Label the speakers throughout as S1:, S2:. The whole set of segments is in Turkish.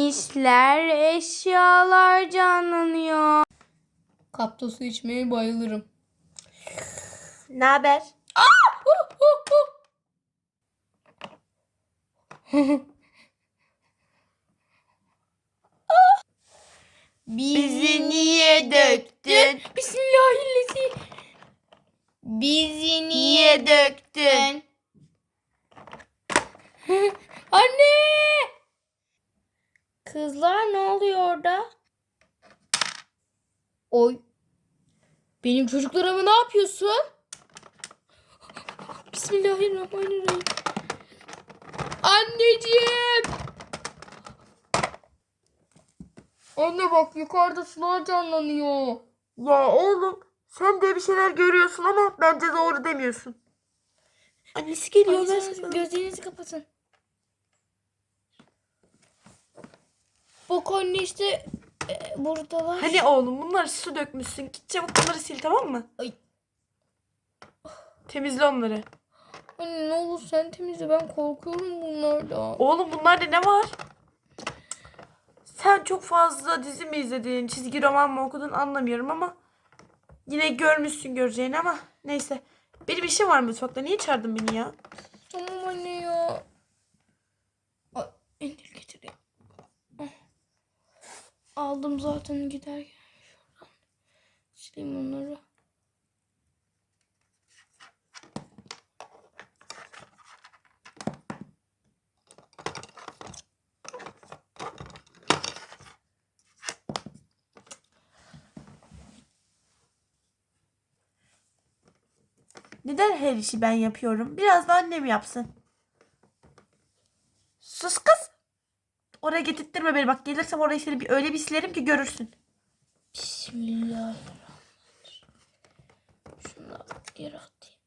S1: işler, eşyalar canlanıyor.
S2: Kapta su içmeye bayılırım.
S3: Ne haber?
S1: Bizi niye döktün?
S2: Bismillahirrahmanirrahim.
S1: Bizi niye döktün?
S2: Anne!
S1: Kızlar ne oluyor orada?
S2: Oy. Benim çocuklarıma ne yapıyorsun? Bismillahirrahmanirrahim. Anneciğim! Anne bak yukarıda sular canlanıyor.
S3: Ya oğlum sen de bir şeyler görüyorsun ama bence doğru demiyorsun. Annesi geliyor.
S2: Gözlerinizi kapatın. Bak anne işte buradalar.
S3: Hani oğlum bunları su dökmüşsün. Git çabuk bunları sil, tamam mı?
S2: Ay.
S3: Temizle onları.
S2: Anne ne olur sen temizle, ben korkuyorum bunlardan.
S3: Oğlum bunlarda ne var? Sen çok fazla dizi mi izledin, çizgi roman mı okudun anlamıyorum ama yine görmüşsün göreceğini ama neyse. Benim işim var mutfakta. Niye çağırdın beni ya?
S2: Tamam anne ya. Ay, endil getireyim. Aldım zaten giderken. Şuradan sileyim onları.
S3: Neden her işi ben yapıyorum? Biraz da annem yapsın. Sus kız. Oraya getirttirme beni. Bak gelirsem orayı seni öyle bir silerim ki görürsün.
S2: Bismillahirrahmanirrahim. Şunu da yere atayım.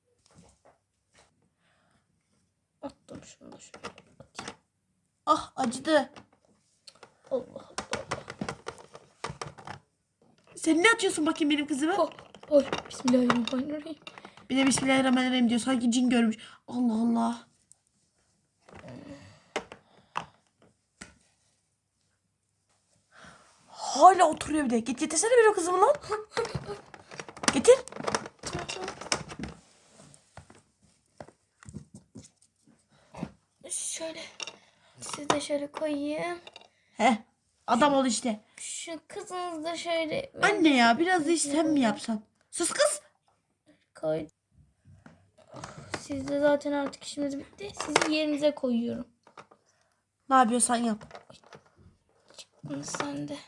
S2: Attım şunu da şöyle atayım.
S3: Ah acıdı.
S2: Allah Allah.
S3: Sen ne atıyorsun bakayım benim kızıma?
S2: Oh, oh, Bismillahirrahmanirrahim.
S3: Bir de Bismillahirrahmanirrahim diyor. Sanki cin görmüş. Allah Allah. Hala oturuyor bir de. Git getirsene benim kızımı lan. Getir.
S2: Şöyle. Siz de şöyle koyayım.
S3: Heh. Adam ol işte.
S2: Şu kızınız da şöyle.
S3: Anne ya biraz da iş sen mi yapsan? Sus kız.
S2: Koy. Sizde zaten artık işimiz bitti. Sizi yerinize koyuyorum.
S3: Ne yapıyorsan yap.
S2: Bunu sen de.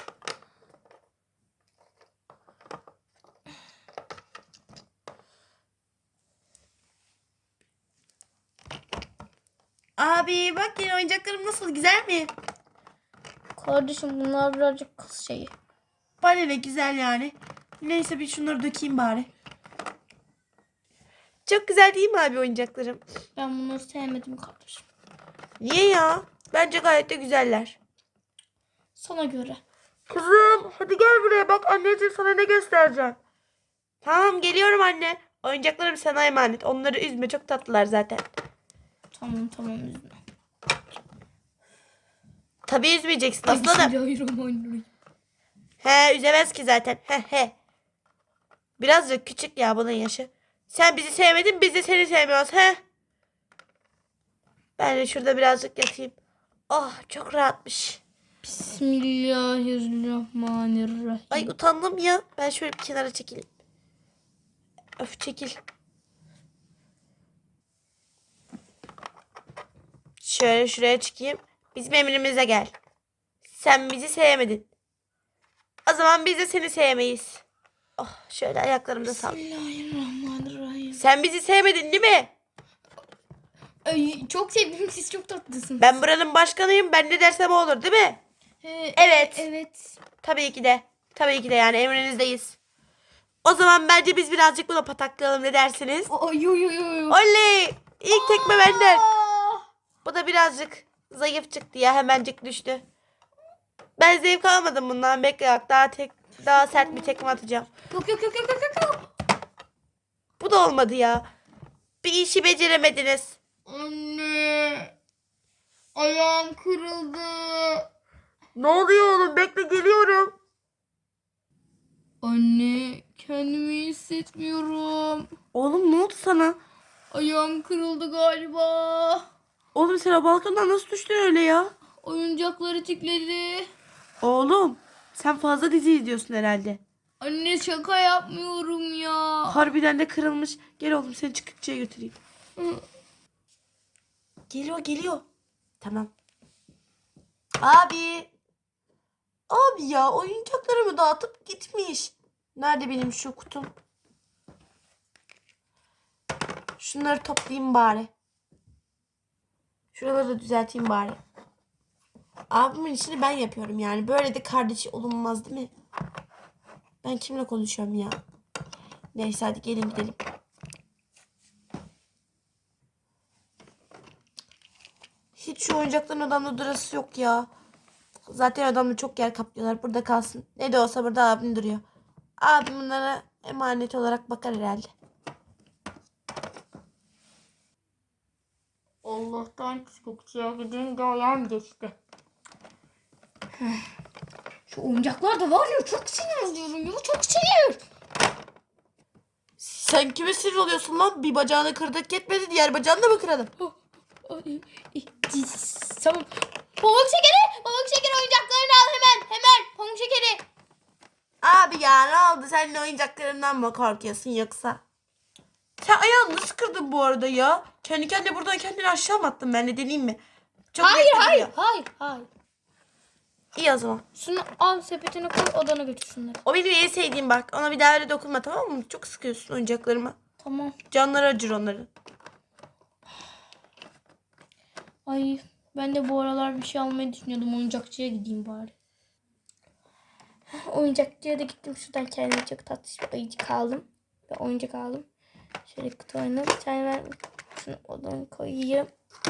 S3: Abi bak yeni oyuncaklarım nasıl, güzel mi?
S2: Kardeşim bunlar birazcık kız şeyi.
S3: Bana ne güzel yani. Neyse bir şunları dökeyim bari. Çok güzel değil mi abi oyuncaklarım?
S2: Ben bunları sevmedim kardeşim.
S3: Niye ya? Bence gayet de güzeller.
S2: Sana göre.
S3: Kızım hadi gel buraya, bak anneciğim sana ne göstereceğim. Tamam geliyorum anne. Oyuncaklarım sana emanet. Onları üzme, çok tatlılar zaten.
S2: Tamam üzme.
S3: Tabii üzmeyeceksin aslanım.
S2: Bismillahirrahmanirrahim.
S3: He üzemez ki zaten. He. Birazcık küçük ya bunun yaşı. Sen bizi sevmedin, biz de seni sevmiyoruz he. Ben de şurada birazcık yatayım. Oh çok rahatmış.
S2: Bismillahirrahmanirrahim.
S3: Ay utandım ya. Ben şöyle bir kenara çekileyim. Öf çekil. Şöyle şuraya çıkayım. Bizim emrimize gel. Sen bizi sevmedin. O zaman biz de seni sevmeyiz. Oh şöyle ayaklarımda sal.
S2: Bismillahirrahmanirrahim.
S3: Sen bizi sevmedin değil mi?
S2: Ay, çok sevdim, siz çok tatlısınız.
S3: Ben buranın başkanıyım. Ben ne dersem o olur değil mi? Evet.
S2: Evet.
S3: Tabii ki de. Tabii ki de yani emrinizdeyiz. O zaman bence biz birazcık buna pataklayalım, ne dersiniz?
S2: Ay yo.
S3: Oley! İlk tekme benden. Bu da birazcık zayıf çıktı ya, hemencik düştü. Ben zevk almadım bundan. Bekle bak daha sert bir tekme atacağım.
S2: Yok.
S3: Bu da olmadı ya. Bir işi beceremediniz.
S2: Anne. Ayağım kırıldı.
S3: Ne oluyor oğlum? Bekle geliyorum.
S2: Anne kendimi iyi hissetmiyorum.
S3: Oğlum ne oldu sana?
S2: Ayağım kırıldı galiba.
S3: Oğlum sen o balkondan nasıl düştün öyle ya?
S2: Oyuncakları tikledi.
S3: Oğlum sen fazla dizi izliyorsun herhalde.
S2: Anne şaka yapmıyorum ya.
S3: Harbiden de kırılmış. Gel oğlum seni çıkıkçıya götüreyim. Geliyor. Tamam. Abi. Abi ya oyuncaklarımı dağıtıp gitmiş. Nerede benim şu kutum? Şunları toplayayım bari. Şuraları da düzelteyim bari. Abimin işini ben yapıyorum yani. Böyle de kardeşi olunmaz değil mi? Ben kimle konuşuyorum ya? Neyse hadi gelin gidelim. Hiç şu oyuncakların adamda durası yok ya. Zaten adamda çok yer kaplıyorlar. Burada kalsın. Ne de olsa burada abim duruyor. Abim bunlara emanet olarak bakar herhalde.
S2: Allah'tan çıkıkçıya gidince ayağım geçti. Şu oyuncaklar da var ya çok sinir diyorum ya çok sinir.
S3: Sen kime sinir oluyorsun lan? Bir bacağını kırdık yetmedi. Diğer bacağını da mı kıralım?
S2: Tamam. Pamuk şekeri oyuncaklarını al hemen pamuk şekeri.
S3: Abi ya ne oldu? Sen de oyuncaklarından mı korkuyorsun yoksa? Sen ayağını nasıl kırdın bu arada ya? Kendi kendine buradan kendini aşağı mı attın? Ben de deneyeyim mi? Çok
S2: Hayır.
S3: bekledim. İyi o zaman.
S2: Şunu al sepetine koy odana götür şunları.
S3: O benim en sevdiğim bak. Ona bir daha öyle dokunma tamam mı? Çok sıkıyorsun oyuncaklarıma.
S2: Tamam.
S3: Canları acır onların.
S2: Ay ben de bu aralar bir şey almayı düşünüyordum. Oyuncakçıya gideyim bari. Oyuncakçıya da gittim. Şuradan kendime çok tatlı bir ayıcık aldım. Ve oyuncak aldım. Şöyle kutu oyunu. Bir tane ben şunu odana koyayım.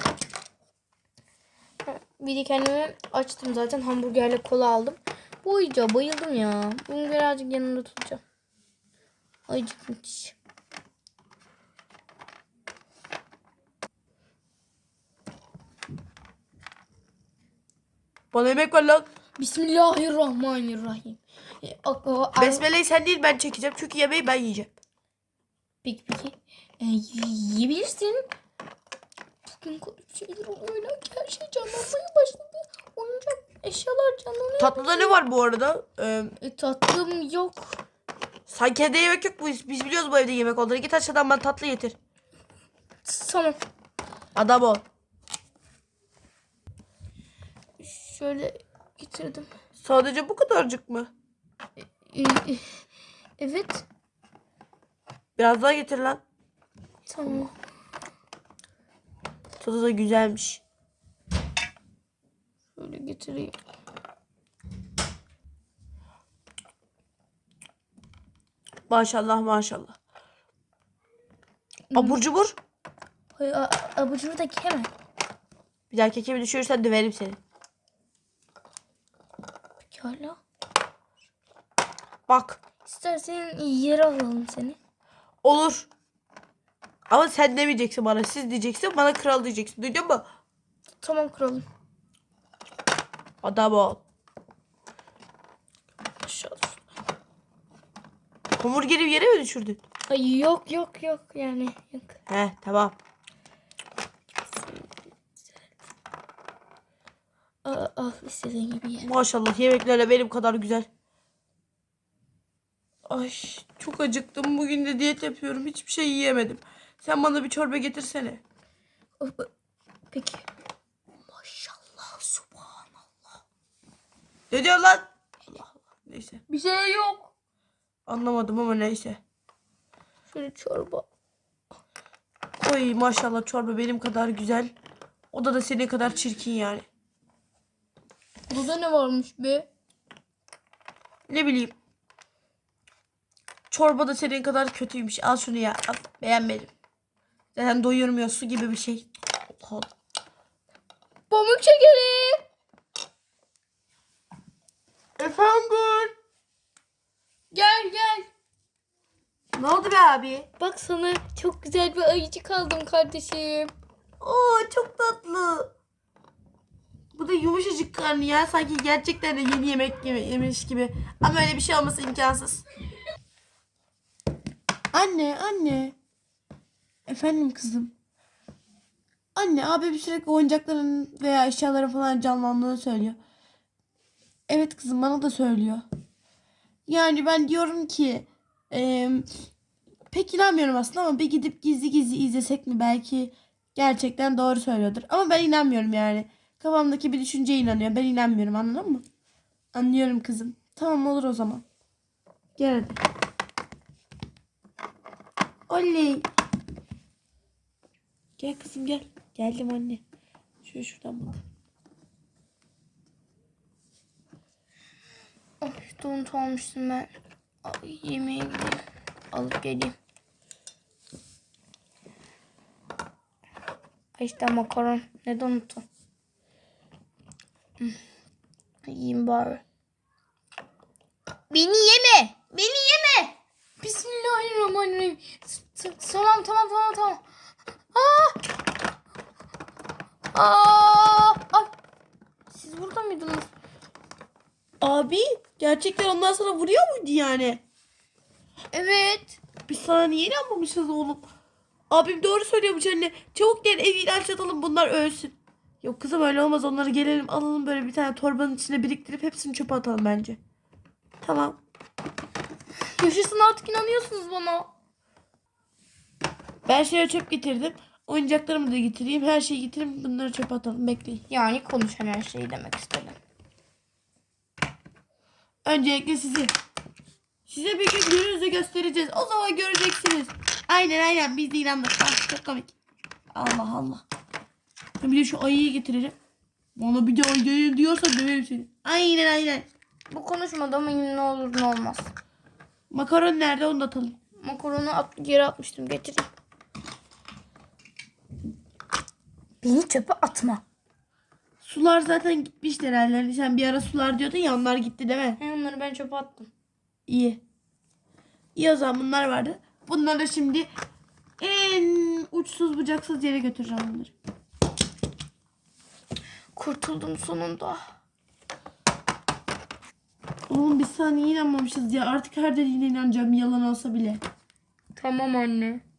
S2: Bir de kendime açtım zaten. Hamburgerle kola aldım. Bu oyuncağa bayıldım ya. Bunu birazcık yanımda tutacağım. Ayıcık müthiş.
S3: Bana yemek ver lan.
S2: Bismillahirrahmanirrahim.
S3: Besmele'yi sen değil ben çekeceğim. Çünkü yemeği ben yiyeceğim.
S2: Peki. Yiyebilirsin. Bugün garip şeyler oluyor. Her şey canlanmaya başladı. Oyuncak eşyalar canlanıyor.
S3: Tatlıda ne var bu arada?
S2: Tatlım yok.
S3: Sanki evde yemek yok. Biz biliyoruz bu evde yemek olduğunu. Git aşağıdan bana tatlı getir.
S2: Tamam.
S3: Adam ol.
S2: Şöyle getirdim.
S3: Sadece bu kadarcık mı?
S2: Ee, evet.
S3: Biraz daha getir lan.
S2: Tamam.
S3: Tadı da güzelmiş.
S2: Şöyle getireyim.
S3: Maşallah maşallah. Abur cubur.
S2: Abur cubur da hemen.
S3: Bir daha kekimi düşürürsen döverim seni.
S2: Pekala.
S3: Bak.
S2: İstersen yere alalım seni.
S3: Olur. Ama sen demeyeceksin bana. Siz diyeceksin. Bana kral diyeceksin. Duydun mu?
S2: Tamam kralım.
S3: Adam ol.
S2: Aşağı.
S3: Hamburgeri yere mi düşürdün?
S2: Ay yok yani yok.
S3: He tamam.
S2: Al istediğin gibi ye.
S3: Maşallah yemeklerle benim kadar güzel. Ay çok acıktım. Bugün de diyet yapıyorum. Hiçbir şey yiyemedim. Sen bana bir çorba getirsene.
S2: Peki. Maşallah subhanallah.
S3: Ne diyor lan? Allah Allah. Neyse.
S2: Bir şey yok.
S3: Anlamadım ama neyse.
S2: Şöyle çorba.
S3: Oy maşallah çorba benim kadar güzel. O da senin kadar çirkin yani.
S2: Burada ne varmış be?
S3: Ne bileyim. Çorba da senin kadar kötüymüş. Al şunu ya. Al. Beğenmedim. Zaten doyurmuyor su gibi bir şey. Allah Allah.
S2: Pamuk şekeri.
S3: Efendim.
S2: Gel.
S3: Ne oldu be abi?
S2: Bak sana çok güzel bir ayıcık aldım kardeşim.
S3: Oo çok tatlı. Bu da yumuşacık karnı ya. Sanki gerçekten de yeni yemek yemiş gibi. Ama öyle bir şey olması imkansız. Anne. Efendim kızım. Anne abi sürekli oyuncakların veya eşyaların falan canlandığını söylüyor. Evet kızım bana da söylüyor. Yani ben diyorum ki pek inanmıyorum aslında ama bir gidip gizli gizli izlesek mi belki gerçekten doğru söylüyordur. Ama ben inanmıyorum yani. Kafamdaki bir düşünceye inanıyor. Ben inanmıyorum anladın mı? Anlıyorum kızım. Tamam olur o zaman. Gel hadi. Oley. Gel kızım gel. Geldim anne. Şuradan bak.
S2: Ay, donut almıştım ben. Ay, yemeğe gideyim. Alıp geleyim. Ay işte makaron. Ne donutu? Yiyeyim bari. Beni yeme. Beni yeme. Bismillahirrahmanirrahim. Tamam. Ay. Siz burada mıydınız?
S3: Abi gerçekten onlar sana vuruyor muydu yani?
S2: Evet.
S3: Bir saniye inanmamışız oğlum. Abim doğru söylüyormuş anne. Çabuk gel evi ilaçlatalım bunlar ölsün. Yok kızım öyle olmaz onları gelelim alalım böyle bir tane torbanın içine biriktirip hepsini çöpe atalım bence. Tamam.
S2: Yaşasın artık inanıyorsunuz bana.
S3: Ben şeye çöp getirdim. Oyuncaklarımı da getireyim. Her şeyi getireyim. Bunları çöpe atalım. Bekleyin.
S2: Yani konuşan her şeyi demek istedim.
S3: Öncelikle sizi. Size bir gün gününüzü göstereceğiz. O zaman göreceksiniz. Aynen. Biz de inandık. Ah, çok komik. Allah. Bir de şu ayıyı getireceğim. Bana bir de ayı diyorsa döverim seni. Aynen.
S2: Bu konuşmada ama yine ne olur ne olmaz.
S3: Makaron nerede onu da atalım.
S2: Makaronu geri atmıştım. Getireyim. Beni çöpe atma.
S3: Sular zaten gitmişler herhalde. Sen bir ara sular diyordun ya onlar gitti değil mi?
S2: Onları ben çöpe attım.
S3: İyi. İyi o zaman bunlar vardı. Bunları şimdi en uçsuz bucaksız yere götüreceğim bunları.
S2: Kurtuldum sonunda.
S3: Oğlum biz sana niye inanmamışız ya? Artık her dediğine inanacağım yalan olsa bile.
S2: Tamam anne.